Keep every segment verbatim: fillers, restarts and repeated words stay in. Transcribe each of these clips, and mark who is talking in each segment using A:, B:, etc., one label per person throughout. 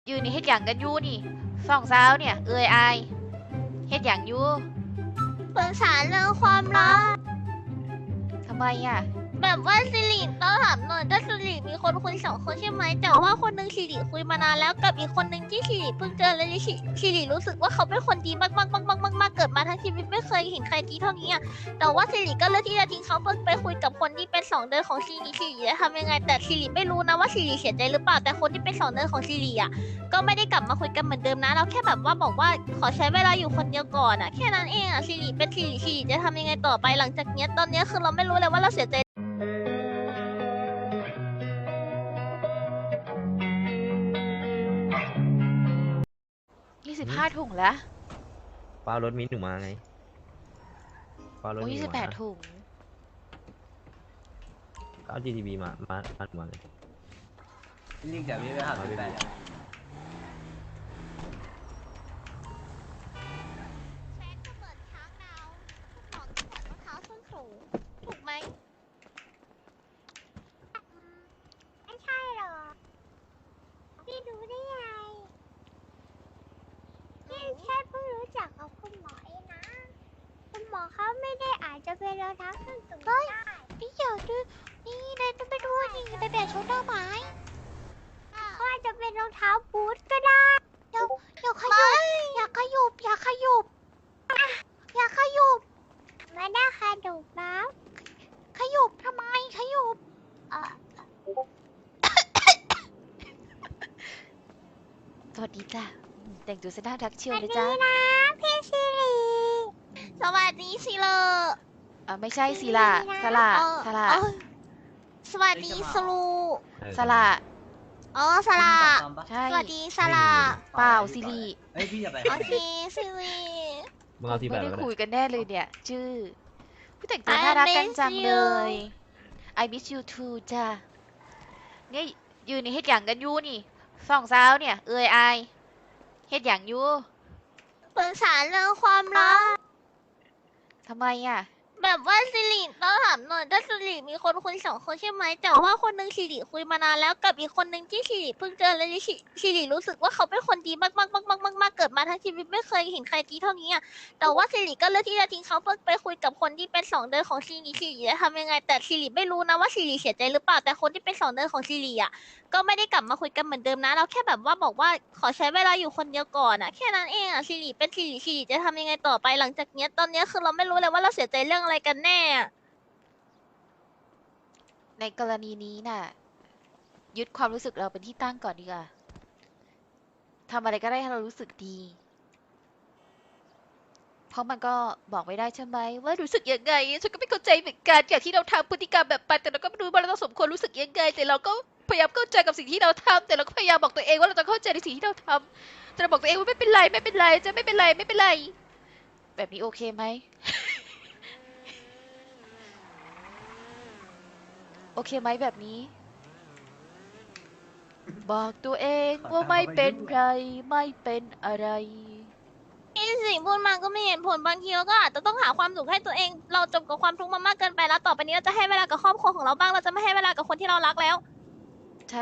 A: ยืนนี่เฮ็ดหยังกันอยู่นี่สองสาวเนี่ยเอ้ยอายเฮ็ดหยังอยู่
B: ปรึกษาเรื่องความรัก
A: ทำไมอ่ะ
B: แบบว่าสิริต้องถามหน่อยถ้าสิริมีคนคุยสองคนใช่ไหมแต่ว่าคนหนึงสิริคุยมานานแล้วกับอีกคนหนึงที่สิริเพิ่งเจอเลยสิสิริรู้สึกว่าเขาเป็นคนดีมากมากมากมากมากมากเกิดมาทั้งชีวิตไม่เคยเห็นใครดีเท่านี้อ่ะแต่ว่าสิริก็เลือกที่จะทิ้งเขาเพื่อไปคุยกับคนที่เป็นสองเดือนของสิริสิริจะทำยังไงแต่สิริไม่รู้นะว่าสิริเสียใจหรือเปล่าแต่คนที่เป็นสองเดือนของสิริอ่ะก็ไม่ได้กลับมาคุยกันเหมือนเดิมนะเราแค่แบบว่าบอกว่าขอใช้เวลาอยู่คนเดียวก่อนอ่ะแค่นั้นเองอ่ะสิริเป็นสิริสิริจะทำยังไงต่อไปหลังจากเนี้ยตอนเนี้ยคือเราไม่รู้เลยว่าเราเสียใจ
A: ยี่สิบห้าถุงแล้ว
C: เปล่ารถมิ้นหนูมาไงเปล่ารถ
A: โอ้
C: มิ้น
A: ยี่สิบแปดถุง
C: ก็เอา จี ที บี มา มามาหนูมาเลย
D: ลิงจากนี้ไปหาสิบแปดอะ
B: แฟนก็เหมือนช้างดาวของที่เหมือนรองเท้าส้นสูงถูกไหมไม่ใช่หรอพี่รู้ได้ไงพี่แค่เพิ่งรู้จักกับคุณหมอเองนะคุณหมอเขาไม่ได้อาจจะเป็นรองเท้าส้นสูงได้พี่อยากดูนี่นายต้องไปดูนี่ไปแบบชุดดอกไม้เขาอาจจะเป็นรองเท้าบูทก็ได้เดี๋ยวเดี๋ยวขยุบอย่าขยุบอย่าขยุบอย่าขยุบไม่ได้ขยุบนะขยุบทำไมขยุบเออ
A: สวัสดีจ้ะแต่งตัวซะน่ารักเชียว
B: สวัส
A: เลย
B: ดี
A: จ้า
B: นะพี่สิริสวัสดีสิเลอ
A: อ่าไม่ใช่สิล่ะสละสละ
B: เออสวัสดีสลู
C: เออ
A: สละ
B: อ๋อสลา
A: ใช่
B: สวัสดีสลา
A: เปล่าสิริ
D: เฮ้ยพี่จะไป
B: โอเคสิริ
C: มึงเอาที่แบ
A: ไม่
C: บ
A: ได้
C: แล้วก็
A: คุย
C: ได้
A: กันแน่เลยเนี่ย ชื่อผู้แต่งตัว
B: I
A: น่ารักกัน
B: miss
A: จัง
B: you
A: เลย I miss you too จ้ะเนี่ยยืนนี่เฮ็ดหยังกันอยู่นี่สองสาวเนี่ยเอ้ยอายเฮ็ดหยังอยู่
B: ปรึกษาเรื่องความรัก
A: ทำไมอ่ะ
B: แบบว่าสิริต้องถามหน่อยถ้าสิริมีคนคุยสองคนใช่ไหมแต่ว่าคนหนึงสิริคุยมานานแล้วกับอีกคนหนึงที่สิริเพิ่งเจอเลยสิสิริรู้สึกว่าเขาเป็นคนดีมากมากมากมากมากมากเกิดมาทั้งชีวิตไม่เคยเห็นใครดีเท่านี้อ่ะแต่ว่าสิริก็เลือกที่จะทิ้งเขาเพื่อไปคุยกับคนที่เป็นสองเดือนของสิริสิริจะทำยังไงแต่สิริไม่รู้นะว่าสิริเสียใจหรือเปล่าแต่คนที่เป็นสองเดือนของสิริอ่ะก็ไม่ได้กลับมาคุยกันเหมือนเดิมนะเราแค่แบบว่าบอกว่าขอใช้เวลาอยู่คนเดียวก่อนอ่ะแค่นั้นเองอ่ะสิริเป็นสิริสิริจะทำยังไงต่อไปหลังจากเนี้ยตอนเนี้ยคือเราไม่รู้เลยว่าเราเสียใจเรื่องอะไรกันแน่อะ
A: ในกรณีนี้น่ะยึดความรู้สึกเราเป็นที่ตั้งก่อนดีกว่าทำอะไรก็ได้ให้เรารู้สึกดี เพราะมันก็บอกไม่ได้ใช่ไหมว่ารู้สึกยังไงฉันก็ไม่เข้าใจเหมือนกันอย่างที่เราทำพฤติกรรมแบบไปแต่เราก็ไม่รู้ว่าเราต้องสมควรรู้สึกยังไงแต่เราก็พยายามเข้าใจกับสิ่งที่เราทำแต่เราก็พยายามบอกตัวเองว่าเราจะเข้าใจในสิ่งที่เราทำแต่เราบอกตัวเองว่าไม่เป็นไรไม่เป็นไรจะไม่เป็นไรไม่เป็นไรแบบนี้โอเคไหม โอเคไหมแบบนี้ บอกตัวเองว่าไม่เป็นไรไม่เป็นอะไร
B: ที่สิ่งพูดมาก็ไม่เห็นผลบางทีเราก็อาจจะต้องหาความสุขให้ตัวเองเราจมกับความทุกข์มามากเกินไปแล้วต่อไปนี้เราจะให้เวลากับครอบครัวของเราบ้างเราจะไม่ให้เวลากับคนที่เรารักแล้ว
A: ใช่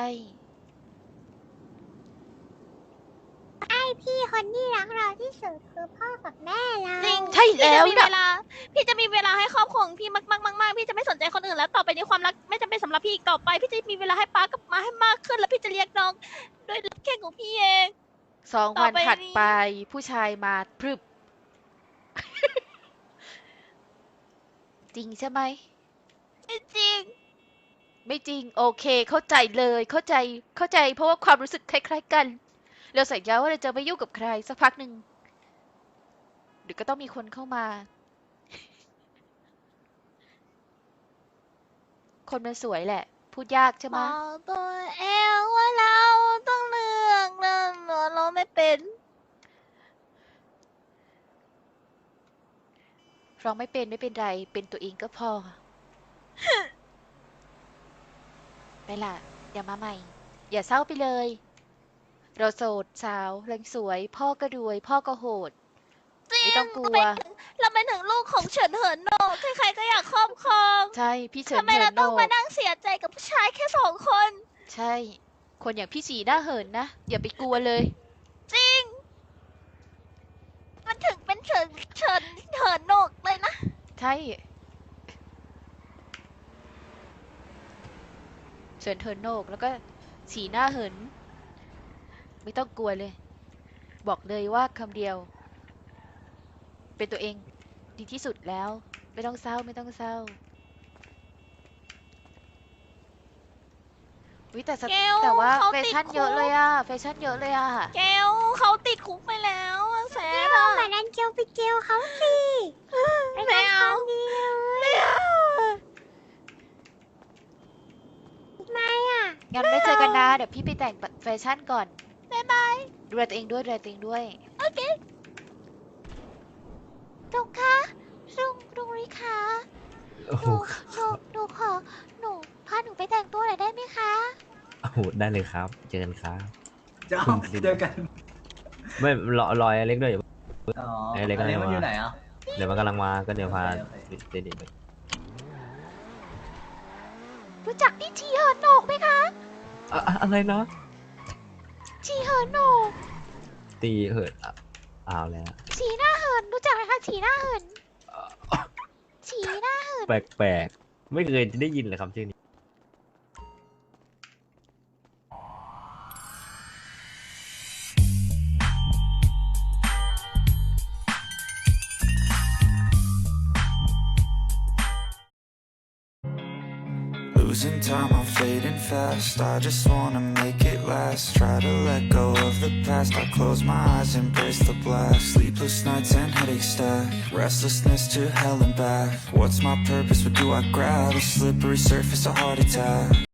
B: ไอพี่คนที่รักเราที่สุดคือพ่อกับแม่เราจริง
A: ใช่แล้ว
B: พี่จะมีเวลาพี่จะมีเวลาให้ครอบครัวของพี่มากมากมากมากพี่จะไม่สนใจคนอื่นแล้วต่อไปนี้ความรักไม่จำเป็นสำหรับพี่อีกต่อไปพี่จะมีเวลาให้ป้ากับมาให้มากขึ้นแล้วพี่จะเลี้ยงน้องด้วยแค่ของพี่เอง
A: สอง
B: ต่อ
A: วัน
B: ไป
A: ถัด
B: นี้
A: ไปผู้ชายมาพรึบ จริงใช่ไหม
B: จริง
A: ไม่จริงโอเคเข้าใจเลยเข้าใจเข้าใจเพราะว่าความรู้สึกคล้ายๆกัน เราสัญญาว่าเราจะไม่ยุ่งกับใครสักพักหนึ่งเดี๋ยวก็ต้องมีคนเข้ามา คนมันสวยแหละ พูดยากใช่ไหม
B: บอกตัวเองว่าเราต้องเลือกเรื่องเราไม่เป็น
A: ร้องไม่เป็นไม่เป็นไรเป็นตัวเองก็พอ ไปล่ะอย่ามาใหม่ อย่าเศร้าไปเลย เราโสดสาวแรงสวย พ่อก็รวย พ่อก็โหด
B: จริง
A: ไม่ต้องกลัว
B: เราเป็นถึงลูกของเฉินเหินโหนกใครๆก็อยากครอบครอง
A: ใช่พี่เฉิน
B: ทำไม
A: เหิ
B: เรา
A: นโหน
B: ต้องมาก นั่งเสียใจกับผู้ชายแค่สองคน
A: ใช่คนอย่างพี่ฉีหน้าเหินนะ อย่าไปกลัวเลย
B: จริง มันถึงเป็นเฉินเฉินเฉินโหนกเลยนะ
A: ใช่เฉินเทินโนกแล้วก็ฉีหน้าเหิน ไม่ต้องกลัวเลย บอกเลยว่าคำเดียว เป็นตัวเองดีที่สุดแล้ว ไม่ต้องเศร้าไม่ต้องเศร้าวิแต่ส
B: เกล
A: แต่ว่า
B: เขา
A: แฟ
B: ติด
A: ชั่น
B: คุก
A: เยอะเลยอะแฟชั่นเยอะเลยอะ
B: เกลเขาติดคุกไปแล้วอะแซ
E: เก
B: น
E: ล
B: อะ
E: เหมือนอันเกลไปเกลเขาสิไป
B: ไม่
E: ทำค
B: เอา
E: วามดีเลย
B: ไม่เอา
E: ทำไมอ่ะ
A: งั้นไม่เจอกันนะเดี๋ยวพี่ไปแต่งแฟชั่นก่อน
B: บ๊ายบาย
A: ดูแลตัวเองด้วยดูแลตัวเองด้วย
B: โอเค
E: ลุงคะลุงลุงริคะ
C: โอ้
E: ห
C: โห
E: นูหนูหนูขอหนูพาหนูไปแต่งตัวหน่อยได้ไหมคะ
C: โอ้โหได้เลยครับ เจอกันครับ
D: เจ้าเจอกัน
C: ไม่รอรอยเล็กด้วย
D: อ๋อ
C: ไอ้เล็ก
D: อันนี้
C: อะไร
D: มันอยู่
C: วะ
D: ไหนอ่ะ
C: เดี๋ยวมันกำลังมาก็เดี๋ยวพา
D: โอเคโอเค
C: เด็กๆไป
E: รู้จักพี่ชีเหินโหนกไหมคะ
C: อะอะอะไรนะ
E: ชีเหินโหนก
C: ตีเหินอ่ะอ้าวแล้ว
E: ฉีหน้าเหินรู้จักไหมคะฉีหน้าเหินฉีหน้าเหิน
C: แปลกๆ ไม่เคยได้ยินเลยคำชื่อนี้
F: Losing time, I'm fading fast. I just wanna make it last. Try to let go of the past. I close my eyes, embrace the blast. Sleepless nights and headaches stack. Restlessness to hell and back. What's my purpose? What do I grab? A slippery surface, a heart attack.